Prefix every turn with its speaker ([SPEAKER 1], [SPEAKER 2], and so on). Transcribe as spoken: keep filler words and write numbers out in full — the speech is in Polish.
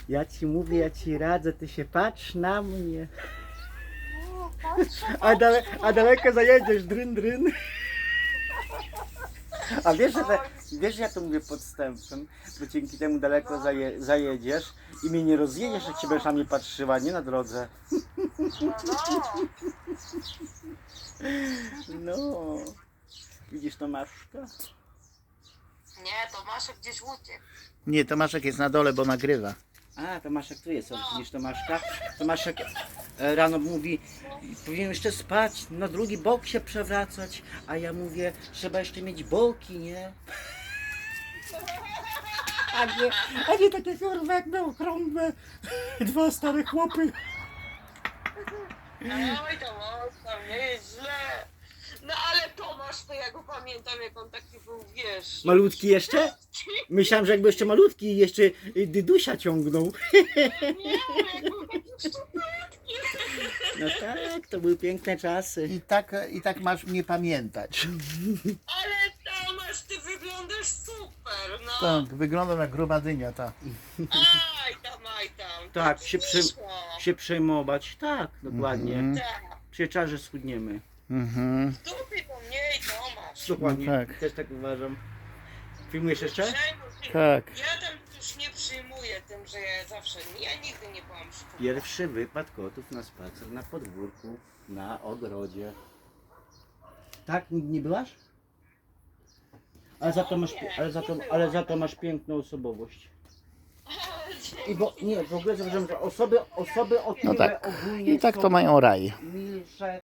[SPEAKER 1] Ja ci mówię, ja ci radzę, ty się patrz na mnie.
[SPEAKER 2] No, patrzę,
[SPEAKER 1] A, dale, a daleko zajedziesz, dryn, dryn. A wiesz, że, te, wiesz, że ja to mówię podstępem, bo dzięki temu daleko zaje, zajedziesz i mnie nie rozjedziesz, jak się będziesz na mnie patrzyła, nie na drodze.
[SPEAKER 2] no, no.
[SPEAKER 1] No. Widzisz Tomaszka?
[SPEAKER 2] Nie, Tomaszek gdzieś uciekł.
[SPEAKER 3] Nie, Tomaszek jest na dole, bo nagrywa.
[SPEAKER 1] A, Tomaszek tu jest, o, widzisz Tomaszka? Tomaszek e, rano mówi, powinien jeszcze spać, na drugi bok się przewracać, a ja mówię, trzeba jeszcze mieć boki, nie? A nie, a nie takie kurwa jak miał okrągłe, dwa stare chłopy.
[SPEAKER 2] Oj, Tomasz, tam nie jest źle. No ale Tomasz, to ja go pamiętam, jak on taki był, wiesz...
[SPEAKER 1] Malutki jeszcze? Myślałem, że jakby jeszcze malutki jeszcze y, dydusia ciągnął.
[SPEAKER 2] Nie, jak był taki szczupłatki.
[SPEAKER 1] No tak, to były piękne czasy.
[SPEAKER 3] I tak, i tak masz mnie pamiętać.
[SPEAKER 2] Ale Tomasz, ty wyglądasz super, no.
[SPEAKER 3] Tak, wygląda jak gruba dynia ta.
[SPEAKER 2] Aj tam, aj tam.
[SPEAKER 1] Tak, się, przy,
[SPEAKER 2] Wyszło.
[SPEAKER 1] się przejmować, tak, dokładnie.
[SPEAKER 3] Mhm.
[SPEAKER 2] Tak.
[SPEAKER 1] Przecież że schudniemy.
[SPEAKER 3] Mhm.
[SPEAKER 2] W dupie to mniej, Tomasz.
[SPEAKER 1] Dokładnie,
[SPEAKER 3] No tak.
[SPEAKER 1] też tak uważam. Filmujesz jeszcze?
[SPEAKER 2] Przejmuj się.
[SPEAKER 3] Tak.
[SPEAKER 2] Ja tam już nie przyjmuję tym, że ja zawsze, ja nigdy nie byłam szczupła.
[SPEAKER 1] Pierwszy wypad kotów na spacer na podwórku, na ogrodzie. Tak, nigdy nie byłaś? Ale za to masz,
[SPEAKER 2] Nie,
[SPEAKER 1] ale za to,
[SPEAKER 2] nie
[SPEAKER 1] ale
[SPEAKER 2] byłam.
[SPEAKER 1] za to masz piękną osobowość.
[SPEAKER 2] Ale
[SPEAKER 1] I bo nie, w ogóle zauważyłem, że osoby, osoby o
[SPEAKER 3] No
[SPEAKER 1] tyle
[SPEAKER 3] tak.
[SPEAKER 1] ogólnie
[SPEAKER 3] I tak
[SPEAKER 1] są
[SPEAKER 3] to mają raj.
[SPEAKER 1] milsze